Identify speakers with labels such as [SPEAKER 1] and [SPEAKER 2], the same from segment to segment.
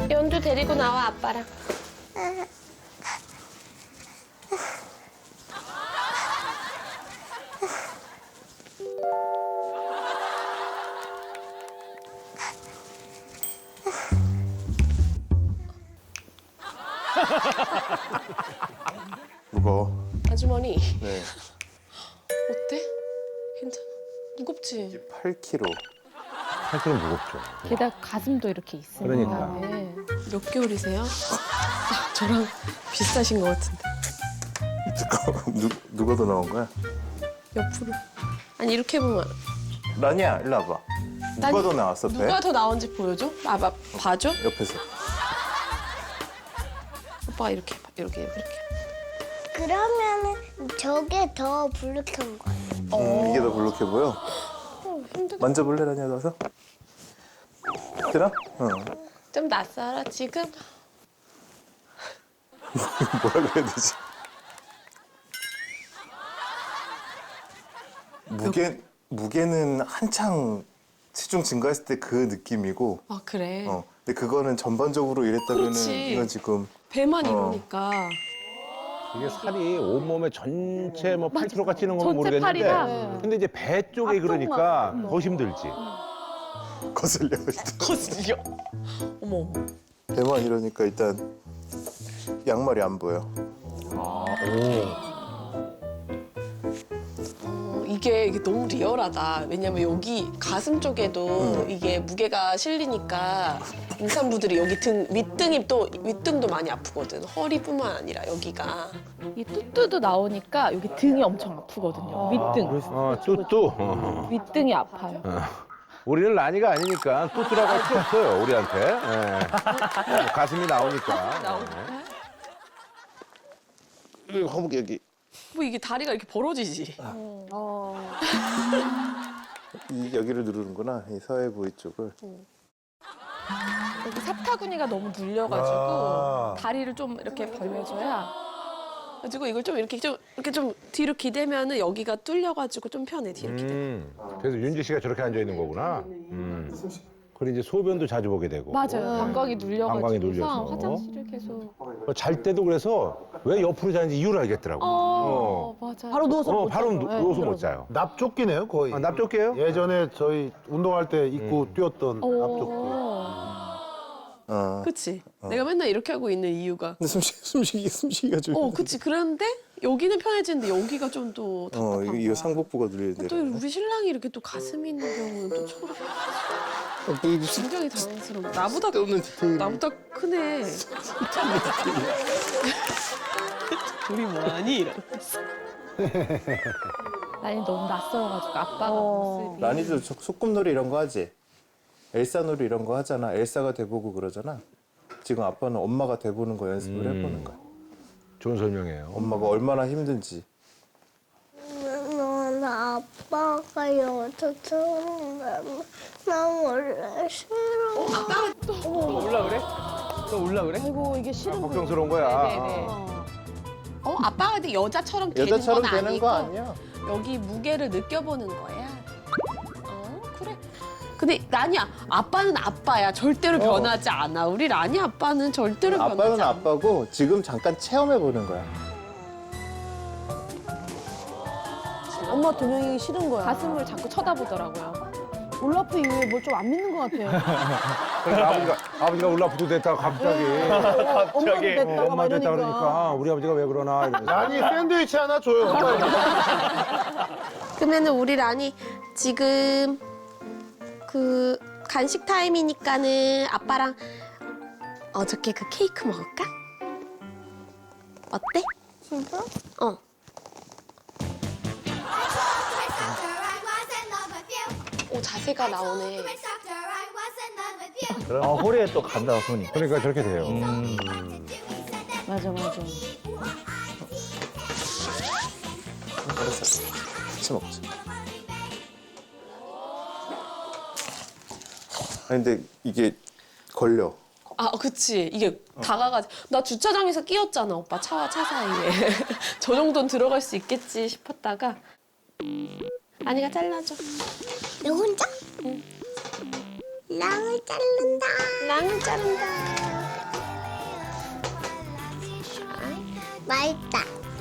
[SPEAKER 1] 연두 데리고 나와, 아빠랑.
[SPEAKER 2] 무거워.
[SPEAKER 1] 아주머니,
[SPEAKER 2] 네.
[SPEAKER 1] 어때? 괜찮아? 무겁지?
[SPEAKER 2] 8kg.
[SPEAKER 3] 8kg 무겁죠.
[SPEAKER 4] 게다가 가슴도 이렇게 있으니까.
[SPEAKER 3] 그러니까.
[SPEAKER 4] 네.
[SPEAKER 1] 몇 개월이세요? 저랑 비슷하신 것 같은데.
[SPEAKER 2] 잠깐만, 누가 더 나온 거야?
[SPEAKER 1] 옆으로. 아니, 이렇게 보면.
[SPEAKER 2] 라니야, 일로 와봐. 누가
[SPEAKER 1] 난-
[SPEAKER 2] 더 나왔어, 배?
[SPEAKER 1] 누가 더 나온지 보여줘? 봐줘?
[SPEAKER 2] 옆에서.
[SPEAKER 1] 오빠가 이렇게 해봐. 이렇게.
[SPEAKER 5] 그러면은 저게 더 불룩한 거야.
[SPEAKER 2] 이게 더 블록해 보여?
[SPEAKER 1] 힘들어.
[SPEAKER 2] 만져볼래, 라니야, 가서? 들어? 응.
[SPEAKER 1] 좀 낯설어, 지금?
[SPEAKER 2] 뭐라 그래야 되지? 무게는 한창 체중 증가했을 때 그 느낌이고,
[SPEAKER 1] 아, 그래.
[SPEAKER 2] 근데 그거는 전반적으로 이랬다면은
[SPEAKER 1] 그렇지.
[SPEAKER 2] 이건 지금
[SPEAKER 1] 배만 이러니까.
[SPEAKER 3] 이게 살이 온몸에 전체 뭐 8kg가 찌는 건
[SPEAKER 4] 전체
[SPEAKER 3] 모르겠는데.
[SPEAKER 4] 팔이랑.
[SPEAKER 3] 근데 이제 배 쪽에 그러니까 더 힘들지.
[SPEAKER 2] 거슬려.
[SPEAKER 1] 거슬려. 어머, 어머.
[SPEAKER 2] 배만 이러니까 일단 양말이 안 보여.
[SPEAKER 1] 이게 너무 리얼하다. 왜냐면 여기 가슴 쪽에도 이게 무게가 실리니까 임산부들이 여기 윗등도 많이 아프거든. 허리뿐만 아니라 여기가.
[SPEAKER 4] 이 뚜뚜도 나오니까 여기 등이 엄청 아프거든요. 윗등.
[SPEAKER 3] 뚜뚜.
[SPEAKER 4] 윗등이 아파요.
[SPEAKER 3] 우리는 라니가 아니니까 뚜뚜라고 할 수 없어요, 우리한테. 예. 가슴이 나오니까. 예.
[SPEAKER 2] 여기 허벅 여기.
[SPEAKER 1] 뭐 이게 다리가 이렇게 벌어지지.
[SPEAKER 2] 여기를 누르는구나. 이 서해 부위 쪽을.
[SPEAKER 4] 여기 사타구니가 너무 눌려가지고 다리를 좀 이렇게 벌려줘야.
[SPEAKER 1] 가지고 이걸 좀 이렇게 좀 뒤로 기대면은 여기가 뚫려가지고 좀 편해 뒤로 기대.
[SPEAKER 3] 그래서 윤지 씨가 저렇게 앉아 있는 거구나. 그리고 이제 소변도 자주 보게 되고.
[SPEAKER 4] 맞아요. 방광이
[SPEAKER 3] 방광이
[SPEAKER 4] 눌려가지고
[SPEAKER 3] 눌려서.
[SPEAKER 4] 화장실을 계속.
[SPEAKER 3] 잘 때도 그래서 왜 옆으로 자는지 이유를 알겠더라고.
[SPEAKER 4] 맞아요.
[SPEAKER 6] 바로 누워서
[SPEAKER 3] 바로 누워서 못 자요.
[SPEAKER 6] 납조끼네요 거의.
[SPEAKER 3] 아, 납조끼예요?
[SPEAKER 6] 예전에 저희 운동할 때 입고 뛰었던 납조끼.
[SPEAKER 1] 그치? 내가 맨날 이렇게 하고 있는 이유가.
[SPEAKER 2] 근데 숨쉬기가 좀.
[SPEAKER 1] 그치. 그런데 여기는 편해지는데 여기가 좀 또 답답한
[SPEAKER 2] 이거
[SPEAKER 1] 거야.
[SPEAKER 2] 상복부가 눌리는데.
[SPEAKER 1] 또 우리 신랑이 이렇게 또 가슴이 있는 경우는 또 처음 굉장히 당황스러워.
[SPEAKER 2] 없는 디테일.
[SPEAKER 1] 나보다 크네. 우리 뭐하니? 이러면서.
[SPEAKER 4] 아니 너무 낯설어가지고 아빠가 모습이.
[SPEAKER 2] 라니도 소꿉놀이 이런 거 하지? 엘사놀이 이런 거 하잖아. 엘사가 돼보고 그러잖아. 지금 아빠는 엄마가 돼보는 거 연습을 해보는 거야.
[SPEAKER 3] 좋은 설명이에요.
[SPEAKER 2] 엄마가 얼마나 힘든지.
[SPEAKER 5] 넌 아빠가 여자처럼 나 원래 싫어.
[SPEAKER 6] 아이고 이게 싫은 거.
[SPEAKER 3] 걱정스러운 거야.
[SPEAKER 4] 네네.
[SPEAKER 1] 아빠가 근데 여자처럼 되는
[SPEAKER 2] 여자처럼
[SPEAKER 1] 건
[SPEAKER 2] 되는
[SPEAKER 1] 아니고
[SPEAKER 2] 거 아니야?
[SPEAKER 1] 여기 무게를 느껴보는 거야. 그래. 근데 라니야, 아빠는 아빠야. 절대로 변하지 않아. 우리 라니 아빠는 절대로 변하지
[SPEAKER 2] 아빠는
[SPEAKER 1] 않아.
[SPEAKER 2] 아빠고 지금 잠깐 체험해보는 거야.
[SPEAKER 6] 엄마 두 명이 싫은 거야.
[SPEAKER 4] 가슴을 자꾸 쳐다보더라고요.
[SPEAKER 6] 올라프 이후에 뭘 좀 안 믿는 것 같아.
[SPEAKER 3] 그러니까 아버지가 울라프도 됐다가 갑자기.
[SPEAKER 6] 엄마도 됐다가 막
[SPEAKER 3] 엄마 됐다
[SPEAKER 6] 이러니까.
[SPEAKER 3] 그러니까 우리 아버지가 왜 그러나 이러면서.
[SPEAKER 6] 아니 샌드위치 하나 줘요.
[SPEAKER 1] 그러면은 우리 라니 지금 그 간식 타임이니까는 아빠랑 어저께 그 케이크 먹을까? 어때?
[SPEAKER 5] 진짜?
[SPEAKER 1] 어. 오, 자세가 나오네.
[SPEAKER 7] 허리에 또 간다 손이.
[SPEAKER 3] 그러니까 저렇게 돼요.
[SPEAKER 6] 맞아 맞아.
[SPEAKER 2] 알았어. 같이 먹자. 아니 근데 이게 걸려.
[SPEAKER 1] 그치. 이게 다가가지. 나 주차장에서 끼었잖아, 오빠. 차와 차 사이에. 저 정도는 들어갈 수 있겠지 싶었다가. 아니가 잘라줘.
[SPEAKER 5] 너 혼자? 랑을 자른다.
[SPEAKER 1] 랑을 자른다.
[SPEAKER 5] 맛있다.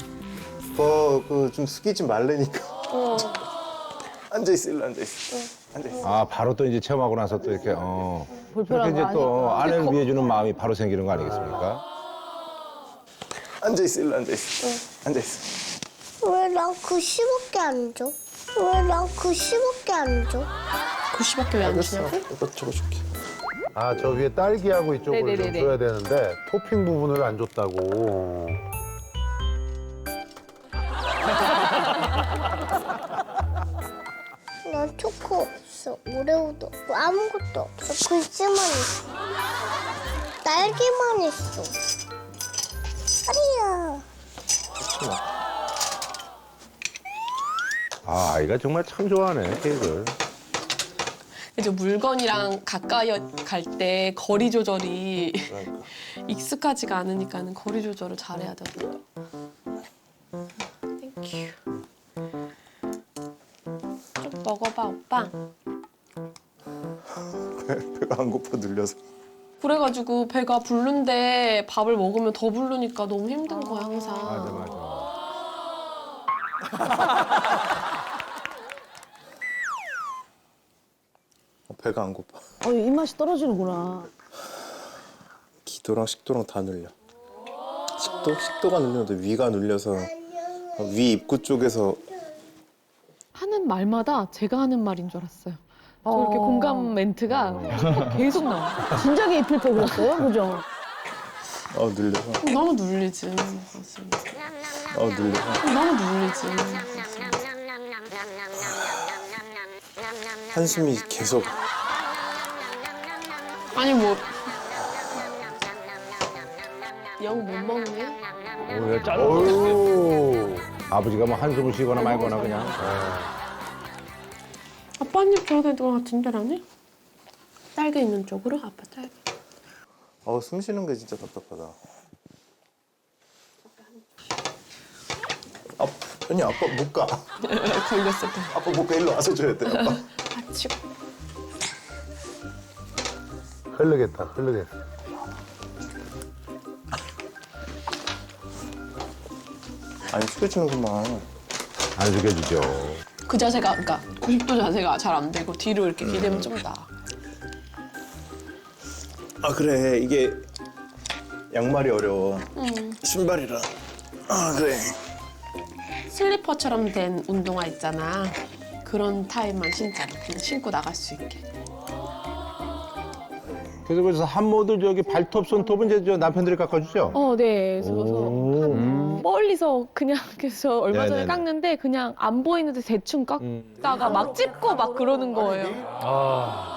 [SPEAKER 2] 그 좀 숙이지 말라니까. 앉아있어, 일로 앉아있어. 앉아있어.
[SPEAKER 3] 아, 바로 또 이제 체험하고 나서 또 이렇게, 그렇게 이제 또 아내를 위해주는 마음이 바로 생기는 거 아니겠습니까?
[SPEAKER 2] 앉아있어, 일로 앉아있어. 앉아있어.
[SPEAKER 5] 왜 난 그 10억개 안 줘? 왜 난 그 10억개 안 줘?
[SPEAKER 1] 90밖에 왜 안 주냐고?
[SPEAKER 2] 이거 적어줄게.
[SPEAKER 6] 아, 저 위에 딸기하고 이쪽을 좀
[SPEAKER 4] 네네네네.
[SPEAKER 6] 줘야 되는데 토핑 부분을 안 줬다고.
[SPEAKER 5] 난 초코 없어. 오레오도 없고 아무것도 없어. 글씨만 있어. 딸기만 있어. 아리야.
[SPEAKER 3] 아, 아이가 정말 참 좋아하네, 케이크를.
[SPEAKER 1] 이제 물건이랑 가까이 갈 때 거리 조절이 익숙하지가 않으니까는 거리 조절을 잘해야 되더라고요. 땡큐. 좀 먹어봐, 오빠.
[SPEAKER 2] 배가 안 고파 눌려서.
[SPEAKER 1] 그래가지고 배가 부른데 밥을 먹으면 더 부르니까 너무 힘든 거야, 항상.
[SPEAKER 3] 맞아, 맞아.
[SPEAKER 2] 배가 안 고파.
[SPEAKER 8] 입맛이 떨어지는구나.
[SPEAKER 2] 기도랑 식도랑 다 눌려. 식도가 눌렸는데 위가 눌려서 위 입구 쪽에서
[SPEAKER 4] 하는 말마다 제가 하는 말인 줄 알았어요. 저렇게 공감 멘트가 계속 나와요.
[SPEAKER 8] 진작에 입힐 걸 그랬어요, 그죠?
[SPEAKER 2] 눌려서
[SPEAKER 1] 너무 눌리지, 사실.
[SPEAKER 2] 눌려서
[SPEAKER 1] 너무 눌리지.
[SPEAKER 2] 한숨이 계속.
[SPEAKER 1] 아니 뭐 영 못 먹네?
[SPEAKER 3] 오늘 짤
[SPEAKER 6] 어유.
[SPEAKER 3] 아버지가 뭐 한숨을 쉬거나 말거나 그냥.
[SPEAKER 1] 아빠님 저기 누가 진짜라네? 딸기 있는 쪽으로? 아빠 딸기.
[SPEAKER 2] 숨 쉬는 게 진짜 답답하다. 아니 아빠 못 가.
[SPEAKER 1] 걸렸을 때.
[SPEAKER 2] 아빠 못 가. 일로 와서 줘야 돼. 아빠.
[SPEAKER 1] 다치고.
[SPEAKER 6] 흐르겠다, 흐르겠다.
[SPEAKER 2] 아니 숙여주는구만.
[SPEAKER 3] 안 숙여주죠.
[SPEAKER 1] 그 자세가, 그러니까 90도 자세가 잘 안 되고 뒤로 이렇게 기대면 좀 나아.
[SPEAKER 2] 그래 이게 양말이 어려워. 신발이라. 그래.
[SPEAKER 1] 슬리퍼처럼 된 운동화 있잖아. 그런 타입만 신자. 그냥 신고 나갈 수 있게.
[SPEAKER 3] 그래서 한모들 저기 발톱, 손톱은 이제 저 남편들이 깎아주죠?
[SPEAKER 4] 네. 그래서 한 멀리서 그냥 그래서 얼마 전에
[SPEAKER 3] 네네네.
[SPEAKER 4] 깎는데 그냥 안 보이는데 대충 깎다가 막 찝고 막 그러는 거예요.